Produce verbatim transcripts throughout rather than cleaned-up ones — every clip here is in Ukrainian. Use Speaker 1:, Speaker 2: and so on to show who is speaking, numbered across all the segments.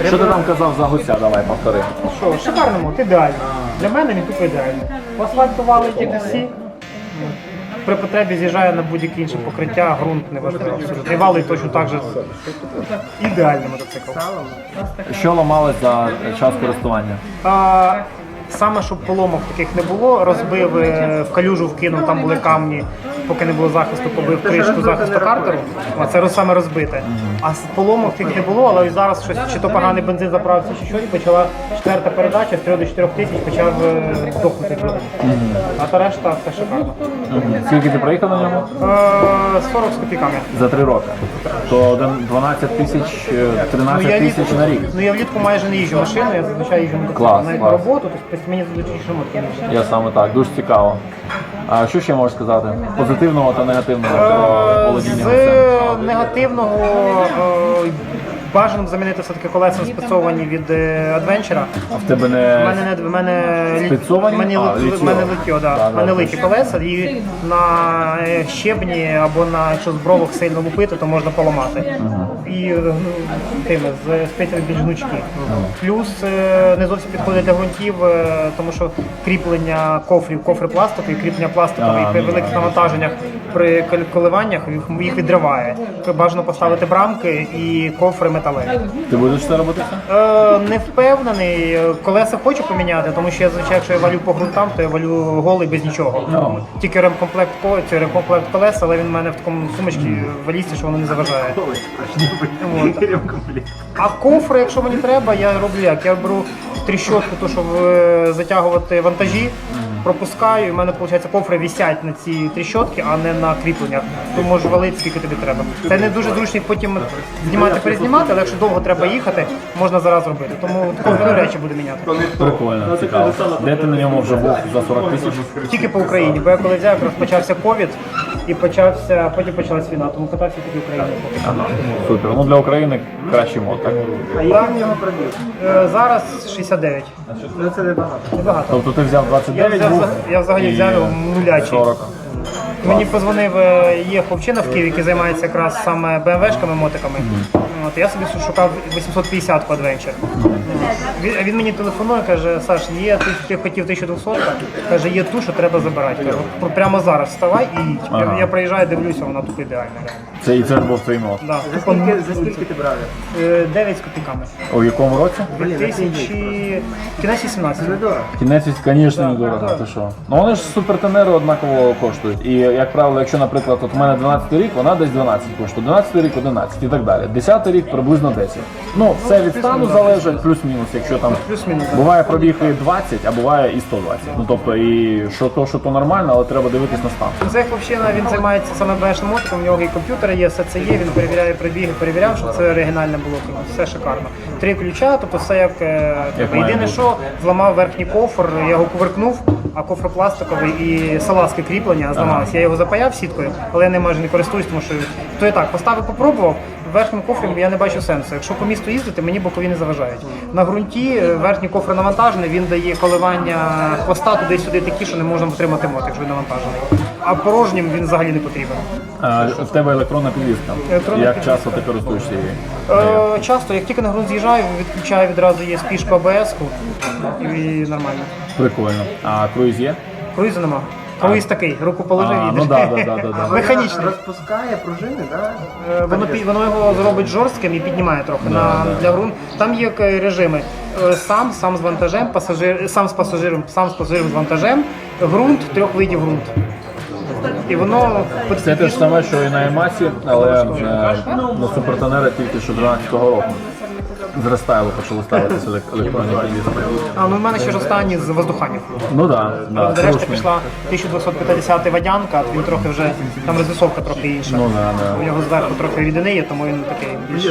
Speaker 1: Що ти там казав за гуся? Давай, повтори.
Speaker 2: Що, шикарний мод, ідеально. Для мене він тупо ідеальний. Асфальтували ті всі. При потребі з'їжджає на будь-яке інше покриття, ґрунт не важливо абсолютно. І валить точно так же. Ідеальний мотоцикл.
Speaker 1: Що ламалось за час користування?
Speaker 2: А, саме, щоб поломок таких не було, розбив, е, в калюжу вкинув, там були камні, поки не було захисту, побив кришку захисту картеру, а це роз- саме розбите. А з поломок таких не було, але ось зараз щось, чи то поганий бензин заправився, чи що, і почала четверта передача, з трьох до чотирьох тисяч почав е, дохнути двигун. А та решта все шикарно.
Speaker 1: Скільки ти проїхав на ньому?
Speaker 2: Е, сорок з копійками.
Speaker 1: За три роки. То один- дванадцять тисяч,
Speaker 2: Ну,
Speaker 1: тринадцять
Speaker 2: я
Speaker 1: тисяч на рік.
Speaker 2: Ну я влітку майже не їжджу машиною, я зазвичай їжджу мотоциклом.
Speaker 1: Клас,
Speaker 2: Навіть
Speaker 1: клас.
Speaker 2: на роботу, тобто мені зручніше мотоцикл.
Speaker 1: Я саме так, дуже цікаво. А що ще можеш сказати? Позитивного та негативного про володіння гусем?
Speaker 2: З негативного е, бажано б замінити все-таки колеса спецовані від е, Adventure.
Speaker 1: А в тебе
Speaker 2: У
Speaker 1: не
Speaker 2: мене не в мене лі-
Speaker 1: Спецовані?
Speaker 2: в мене,
Speaker 1: А,
Speaker 2: лі-
Speaker 1: літьо.
Speaker 2: в мене литьо, да.
Speaker 1: Да,
Speaker 2: В мене
Speaker 1: да,
Speaker 2: литі колеса, і на е, щебні або на якщо з бровок сильно лупити, то можна поламати. І е, ну, тими з спецями більш гнучкі. Плюс е, не зовсім підходить для ґрунтів, е, тому що кріплення кофрів, кофри пластикові, кріплення пластикові
Speaker 1: А,
Speaker 2: при
Speaker 1: ну,
Speaker 2: великих навантаженнях при кол- коливаннях їх, їх відриває. Бажано поставити брамки і кофри металеві.
Speaker 1: Ти будеш це робити?
Speaker 2: Е, не впевнений. Колеса хочу поміняти, тому що я звичайно, якщо я валю по ґрунтам, то я валю голий без нічого.
Speaker 1: Ну.
Speaker 2: Тільки ремкомплект ко- це ремкомплект колес, але він в мене в такому сумочці валізці, що воно не заважає. От. А кофри, якщо мені треба, я роблю як? Я беру тріщотку, то щоб е, затягувати вантажі. Пропускаю, і в мене виходить, кофри висять на ці тріщотки, а не на кріпленнях. То можеш валити скільки тобі треба. Це не дуже зручно їх потім знімати, перезнімати, але якщо довго треба їхати, можна зараз робити. Тому кофри речі буду міняти.
Speaker 1: Прикольно, цікаво. Де ти на ньому вже був за сорок тисяч?
Speaker 2: Тільки по Україні, бо я коли взяв, якраз почався ковід і почався, потім почалась війна, тому катався тільки в Україні. поки що.
Speaker 1: Ага, супер. Ну для України кращий мод, так?
Speaker 2: А я в нього пробіг? Е, зараз шістдесят дев'ять.
Speaker 3: Ну це небагато.
Speaker 2: Небагато.
Speaker 1: Тобто ти взяв двадцять
Speaker 2: Я,
Speaker 1: дев'ять
Speaker 2: взяв,
Speaker 1: був?
Speaker 2: я взагалі
Speaker 1: і
Speaker 2: взяв його нулячий.
Speaker 1: сорок.
Speaker 2: Мені позвонив, е, є хлопчина в Києві, який займається якраз саме бе ем вешками, мотиками. От, я собі шукав вісімсот п'ятдесят Adventure. Він, він мені телефонує, каже: Саш, є, ти, ти хотів тисяча двісті, каже, є ту, що треба забирати. Кажу, «Пр- прямо зараз вставай і їдь.
Speaker 1: Ага.
Speaker 2: Я, я приїжджаю, дивлюся, вона тут ідеальна.
Speaker 1: Це і це був твій мод.
Speaker 2: Да.
Speaker 3: За скільки, за скільки ти брав?
Speaker 2: Е, дев'ять з копійками.
Speaker 1: У якому році?
Speaker 2: дві тисячі... Кінець вісімнадцятого.
Speaker 3: Недорого.
Speaker 1: Кінець, звісно, недорого.
Speaker 2: да.
Speaker 1: Ти що? Ну вони ж супертенери однаково коштують. І як правило, якщо, наприклад, от у мене дванадцятий рік, вона десь дванадцять коштує, дванадцятий рік одинадцять і так далі. десятий рік приблизно десять. Ну, все від стану залежить, плюс-мінус, якщо там
Speaker 2: Плюс-мінус, так.
Speaker 1: буває пробіг і двадцять, а буває і сто двадцять. Ну тобто і що то, що то нормально, але треба дивитись на стан.
Speaker 2: Цей хлопчина, він займається саме бешним мотиком, у нього і комп'ютери є, все це є, він перевіряє пробіги, перевіряв, щоб це оригінальне було, все шикарно. Три ключа, тобто все як, е,
Speaker 1: Як
Speaker 2: треба.
Speaker 1: має
Speaker 2: Єдине,
Speaker 1: бути.
Speaker 2: що зламав верхній кофр, я його кувиркнув, а кофр пластиковий і салазки кріплення зламалися. Я його запаяв сіткою, але я не майже не користуюсь, тому що то і так, поставив, попробував. Верхнім кофром я не бачу сенсу. Якщо по місту їздити, мені бокові не заважають. На ґрунті е, верхній кофр навантажений, він дає коливання хвоста туди-сюди такі, що не можна втримати мот, якщо він навантажений. А порожнім він взагалі не потрібен.
Speaker 1: А, в тебе електронна підвізка.
Speaker 2: Електронна
Speaker 1: Як
Speaker 2: підвізка.
Speaker 1: часто ти користуєшся її?
Speaker 2: Е, часто, як тільки на ґрунт з'їжджаю, відключаю відразу є спішку а бе ес-ку і нормально.
Speaker 1: Прикольно. А круїз є?
Speaker 2: Круїзу нема. Круїз такий, руку положив
Speaker 1: А,
Speaker 2: і
Speaker 1: ну
Speaker 2: йдеш.
Speaker 1: да, да, да, да, да.
Speaker 2: Механічний.
Speaker 3: Розпускає пружини, так?
Speaker 2: Е, Воно, пі- воно його зробить жорстким і піднімає трохи на,
Speaker 1: да.
Speaker 2: для ґрунт. Там є е, режими. Е, Сам, сам з вантажем, пасажир, сам з пасажиром, сам з пасажиром з вантажем, ґрунт, трьох видів ґрунт. І воно
Speaker 1: Це те ж саме, що і на Емасі, але е, на супертенера тільки що дванадцятого року. З рестайлу почали ставитися елек- електронні підвіски.
Speaker 2: А, ну в мене ще ж останні з воздуханів.
Speaker 1: Ну так, да, да,
Speaker 2: Решта
Speaker 1: трушний.
Speaker 2: пішла тисяча двісті п'ятдесят водянка, а він трохи вже, там розвисовка трохи інша.
Speaker 1: Ну да, да.
Speaker 2: У нього зверху трохи рідини є, тому він такий більш...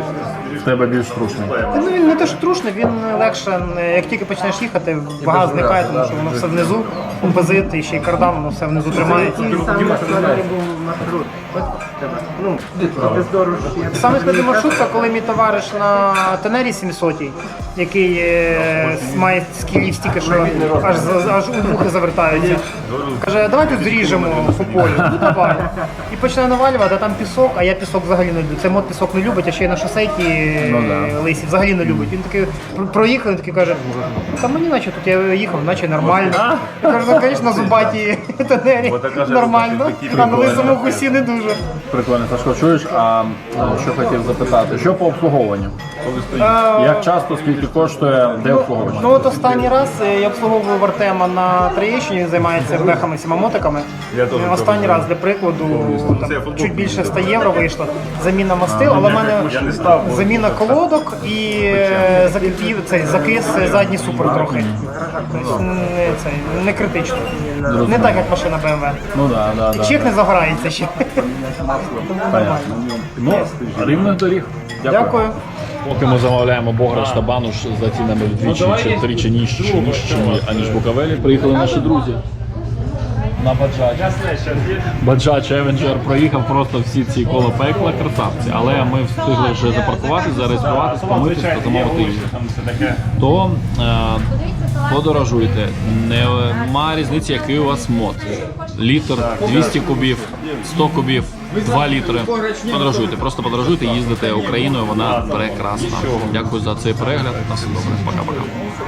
Speaker 1: В тебе більш трушний.
Speaker 2: Ну він не те, що трушний, він легше, як тільки почнеш їхати, вага зникає, тому що воно все внизу. композит і ще й кардан, воно все внизу тримається.
Speaker 3: Який саме складний був маршрут? От тебе. Ну, бездорож.
Speaker 2: Саме складний маршрут, це коли мій товариш на Тенері сімсот, який е, має скілів стільки, що аж, за- аж у вухи завертаються. Каже, давай тут зріжемо по полю. Ну давай. І починає навалювати, а там пісок, а я пісок взагалі не люблю. Цей мод пісок не любить, а ще й на шосейки
Speaker 1: Ну да.
Speaker 2: лисі взагалі не любить. Він такий про- проїхав, він такий каже, та мені наче тут я їхав, наче нормально. Я кажу, ну, звісно, на зубаті Тенері нормально, а на лисому гусі не дуже.
Speaker 1: Прикольно, Сашко, чуєш, а е, що хотів запитати, що по обслуговуванню? Як часто, скільки коштує, де обслуговування?
Speaker 2: Ну от останній раз е, я обслуговував Артема на Троєщині, він займається бехами, всіма мотиками. Е, Останній раз, для прикладу, там, чуть більше ста євро вийшло. Заміна мастил, але в мене заміна колодок і е, закипів, цей, закис задній супер трохи. Тобто не, цей, не критично. Не так, як машина бе ем ве.
Speaker 1: Ну да, да, да.
Speaker 2: Чек не загорається ще.
Speaker 1: Понятно. Ну, рівних доріг. Дякую.
Speaker 2: Дякую.
Speaker 4: Поки ми замовляємо бограш та бануш за цінами вдвічі чи втричі нижчі, нижчими, аніж Буковелі, приїхали наші друзі. На Баджач. Баджач Евенджер проїхав просто всі ці коло пекла, красавці. Але ми встигли вже запаркуватися, зареєструватися, помитися та замовити їжу. То е, подорожуйте. Нема різниці, який у вас мод. Літр, двісті кубів, сто кубів, два літри. Подорожуйте, просто подорожуйте, їздите Україною, вона прекрасна. Дякую за цей перегляд. На все добре. Пока-пока.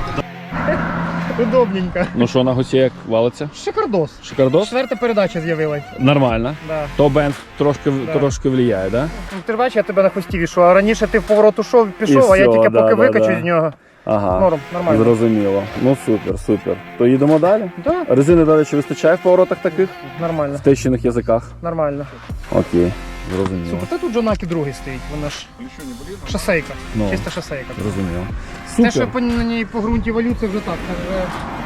Speaker 2: Удобненько.
Speaker 4: Ну що, на гусі як валиться?
Speaker 2: Шикардос.
Speaker 4: Шикардос?
Speaker 2: Четверта передача з'явилась.
Speaker 4: Нормально.
Speaker 2: Да.
Speaker 4: То бенз трошки, трошки влияє, да?
Speaker 2: Ну, ти ж бачиш, я тебе на хвості вішу, а раніше ти в поворот ушов, пішов,
Speaker 4: І
Speaker 2: а я
Speaker 4: всьо,
Speaker 2: тільки
Speaker 4: да,
Speaker 2: поки
Speaker 4: да,
Speaker 2: викачу
Speaker 4: да.
Speaker 2: з нього.
Speaker 4: Ага,
Speaker 2: Норм, нормально.
Speaker 4: зрозуміло. Ну супер, супер. То їдемо далі?
Speaker 2: Да.
Speaker 4: Резини, до речі, вистачає в поворотах таких?
Speaker 2: Нормально,
Speaker 4: В тещиних язиках?
Speaker 2: нормально.
Speaker 4: Окей, зрозуміло.
Speaker 2: Супер, та тут Джонакі другий стоїть, вона ж шосейка,
Speaker 4: Ну.
Speaker 2: чиста шосейка.
Speaker 4: Зрозуміло.
Speaker 2: Те, що
Speaker 4: Супер.
Speaker 2: по, на ній по ґрунті валю, це вже так, це вже